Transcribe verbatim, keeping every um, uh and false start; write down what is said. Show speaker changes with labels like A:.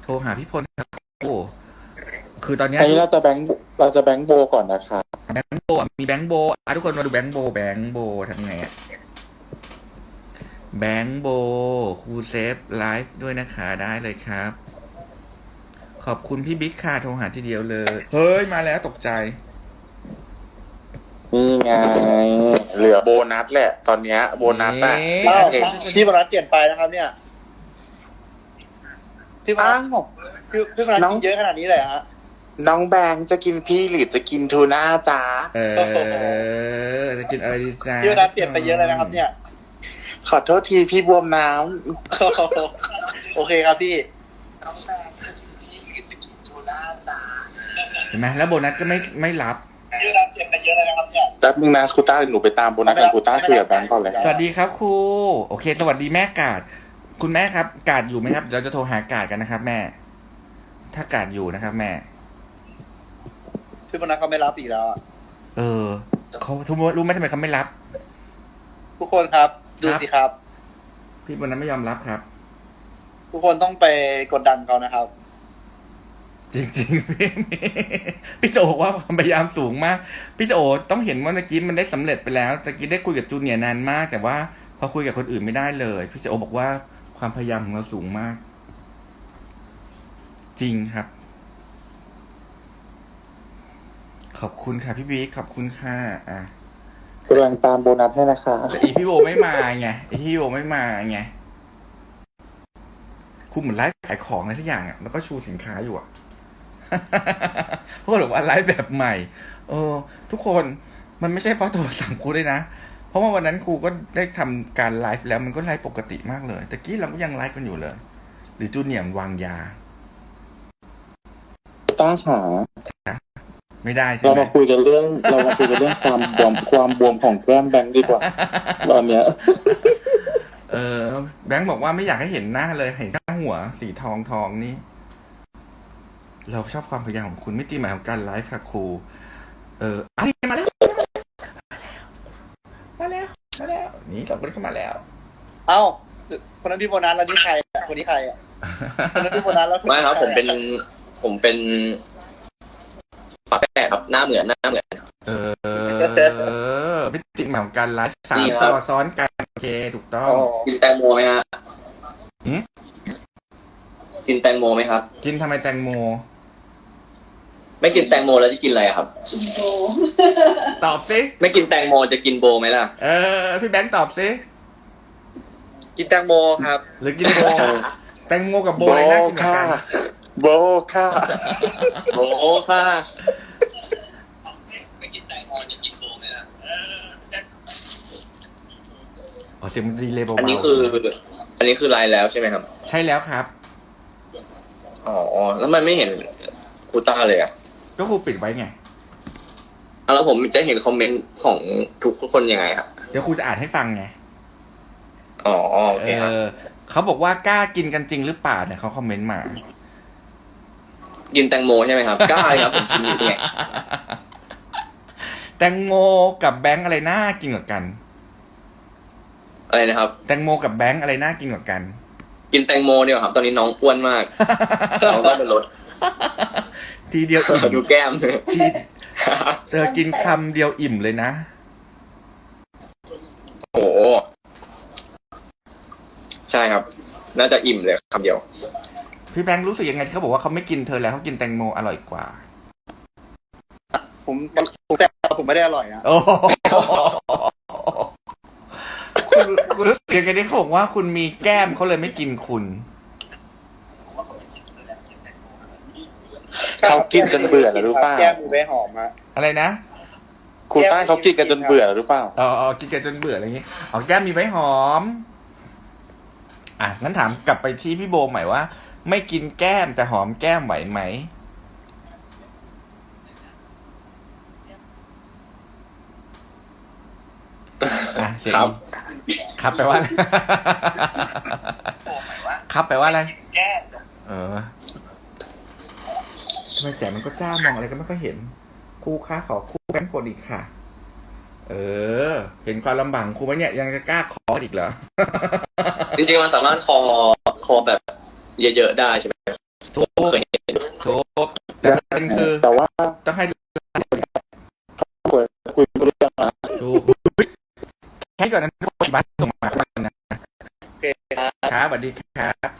A: โทรหาพี่พลครับโอ้คือตอนเนี้ย
B: อันนี้เราจะแบงค์เราจะแบงค์โบก่อนนะคะ
A: แบงค์โบอ่ะมีแบงค์โบอ่ะทุกคนมาดูแบงค์โบแบงค์โบทำไงอ่ะแบงค์โบครูเซฟไลฟ์ด้วยนะคะได้เลยครับ ขอบคุณพี่บิ๊กค่ะโทรหาทีเดียวเลย เฮ้ย มาแล้วตกใจ
B: นี่ไงเหลือโบนัสแหละ ตอนเนี้ยโบนัสอะ
A: เอ๊ะ
C: อ้าว
B: เอง
C: พี่บรรลัดเปลี่ยนไปนะครับ เนี่ยพี่บรร
B: อ้า
C: ลัด
B: ว
C: พี่พี่บรรลัด
B: น้อง
C: กินเยอะขนาดนี้เลยเหรอฮะ
B: น้องแบงค์จะกินพี่หรือจะกินทูน่าจ้า
A: เออ จะกินอะไรดีจ้า
C: พี่บรรลัดเปลี่ยนไปเยอะเลยนะครับ เนี่ย
B: ขอโทษทีพี่บวมน้
C: โอเคครับพี่
A: เห็นไหมแล้วโบนัสก็ไม่ไม่รับ
C: พี่บรรลัดเปลี่ยนไปเยอะเลยนะครับ เนี่ย
B: ำแป๊บนึงนะครูต้าเดี๋ยวหนูไปตามโบนัสกันครูต้าคุยกับแบงค์ก่อนเลย
A: สวัสดีครับครู โอเค สวัสดีแม่กาด คุณแม่ครับ กาดอยู่ไหมครับ เราจะโทรหากาดกันนะครับ แม่ ถ้ากาดอยู่นะครับ แม่
C: พี่บรรลัดเขาไม่รับอีกแล้วอะ
A: เออเขาทุกรู้ไหมทำไมเขาไม่รับ
C: ทุกคนครับ ดู
A: ครับ
C: สิครับ
A: พี่โบนัสไม่ยอมรับครับ
C: ทุกคนต้องไปกดดันเขานะครับ
A: จริงๆ พี่พี่โจบอกว่าความพยายามสูงมาก พี่โจต้องเห็นว่าเมื่อกี้มันได้สำเร็จไปแล้วตะกี้ได้คุยกับจูเนียร์นานมาก แต่ว่าพอคุยกับคนอื่นไม่ได้เลย พี่โจบอกว่าความพยายามของเราสูงมาก จริงครับ ขอบคุณค่ะพี่บิ๊กขอบคุณค่ะอ่ะ
B: กำลังตามโบนัสให้นะคะ
A: แต่อีพี่โบไม่มาไงอีพี่โบไม่มาไงคุณเหมือนไลฟ์ขายของอะไรสักอย่างอ่ะแล้วก็ชูสินค้าอยู่อ่ะ พวกบอกว่าไลฟ์แบบใหม่ เออ ทุกคนมันไม่ใช่เพราะโทรสั่งครูด้วยนะ เพราะว่าวันนั้นครูก็ได้ทำการไลฟ์แล้วมันก็ไลฟ์ปกติมากเลยแต่กี้เราก็ยังไลฟ์กันอยู่เลย หรือจูเนียร์วางยา
B: ต้าขา
A: ไม่ได้ใช่
B: เรา
A: ไหม
B: มาคุยกันเรื่อง เรามาคุยกันเรื่องความบวมความบวมของแก้มแบงค์ดีกว่า ตอนเนี้ย
A: เออแบงค์บอกว่าไม่อยากให้เห็นหน้าเลยเห็นแค่หัวสีทองทองนี่ เราชอบความพยายามของคุณไม่ตีหมายของการไลฟ์ค่ะครู เอออ่ะมาแล้วมาแล้วมาแล้วนี่สองคนเข้ามาแล้ว
C: เอ้าคนนั้นพี่โบนัสแล้วนี่ใครอะคนนี้ใครอะคนนั้นพี่โบนัสแล้วคน
D: ไม่
C: นี้
D: ครับ
C: ใ
D: ผมเป็นผมเป็นฝาแฝดครับหน้าเหมือนหน้าเหมือน
A: เออไม่ตีหมายของการไลฟ์สาม
D: นี่ค
A: จ
D: รั
A: อบ ซ้อนกันโอเคถูกต้อง
C: อ๋อ
D: กินแตงโมไหมฮะ
A: หืม
D: กินแตงโมไหมครับ
A: กินทำไมแตงโม
D: ไม่กินแตงโมแล้วจะกินอะไรครับ
A: ตอบสิ
D: ไม่กินแตงโมจะกินโบไหมล่ะ
A: เออพี่แบงค์ตอบสิ
C: กินแตงโมครับ
A: หรือกินโบแตงโมกับโบ
B: โบ
A: อะไรน่ากินกว่า
B: ค่ะ
A: กัน
B: โบค่ะ
D: โบค่ะไม่กินแตงโมจะกินโบไหมล่ะ
A: อ๋อเสียงมันดีเลยเบาๆ
D: อันนี้คือ อันนี้คือไลน์แล้วใช่ไหมครับ
A: ใช่แล้วครับ
D: อ๋อแล้วมันไม่เห็นคูต้าเลยอ่ะ
A: ก็ครูปิดไว้ไง
D: อ่ะแล้วผมจะเห็นคอมเมนต์ของทุกคนยังไงครับ
A: เดี๋ยวครูจะอ่านให้ฟังไง
D: อ๋อโอ
A: เอ
D: เคครับ
A: อเขาบอกว่ากล้ากินกันจริงหรือเปล่าเนี่ยเขาคอมเมนต์มา
D: กินแตงโมใช่ไหมครับกล้าเลยครับผมกินอยู่เนี่ย
A: แตงโมกับแบงค์อะไรน่ากินกว่ากัน
D: อะไรนะครับ
A: แตงโมกับแบงค์อะไรน่ากินกว่ากัน
D: กินแตงโมเนี่ยครับ ตอนนี้น้องอ้วนมาก น้องต้องไปลด
A: ทีเดียวอิ่ม
D: ดูแก้ม
A: ทีเธอกินคำเดียวอิ่มเลยนะ
D: โอ้โหใช่ครับ น่าจะอิ่มเลยคำเดียว
A: พี่แบงค์รู้สึกยังไงที่เขาบอกว่าเขาไม่กินเธอแล้วเขากินแตงโมอร่อยกว่า
C: ผมผมแต่ผมไม่ได้อร่อยนะ
A: โอ้โหคุณคุณรู้สึกยังไงที่เขาบอกว่าคุณมีแก้มเขาเลยไม่กินคุณ
B: เขากินจนเบื่อแล้วหรือเปล่า
C: แก้มมีใบหอมอะ
A: อะไรนะ
B: ครูต้าเขากินกันจนเบื่อแล้วหรือเปล่า
A: อ๋ออ๋อกินกันจนเบื่ออะไรอย่างงี้อ๋อแก้มมีไว้หอม อ่ะงั้นถามกลับไปที่พี่โบใหม่ว่า ไม่กินแก้มแต่หอมแก้มไหวไหมอ่ะเสียง
D: ครับ
A: ครับแปลว่าอะไร ครับแปลว่าอะไร เออทำไมแสงมันก็จ้ามองอะไรก็ไม่ค่อยเห็นครูคะขอครูแบงค์กดอีกค่ะ เออ เห็นความลำบากของครูไหมเนี่ยยังจะกล้าขออีกเหรอ
D: จริงๆมันสามารถคอคอแบบเยอะๆได้ใช่ไหม
A: ถูก
D: เคยเห็น
A: ถูกแต่ประเด็นคือ
B: แต่ว่า
A: ต้องให้
B: คุยคุยเรื่องนะ
A: ดูแค่ก่อนนั้นทุกคนบ้านส่งมานะ
C: โอเคครับ
A: ครับสวัสดีครับ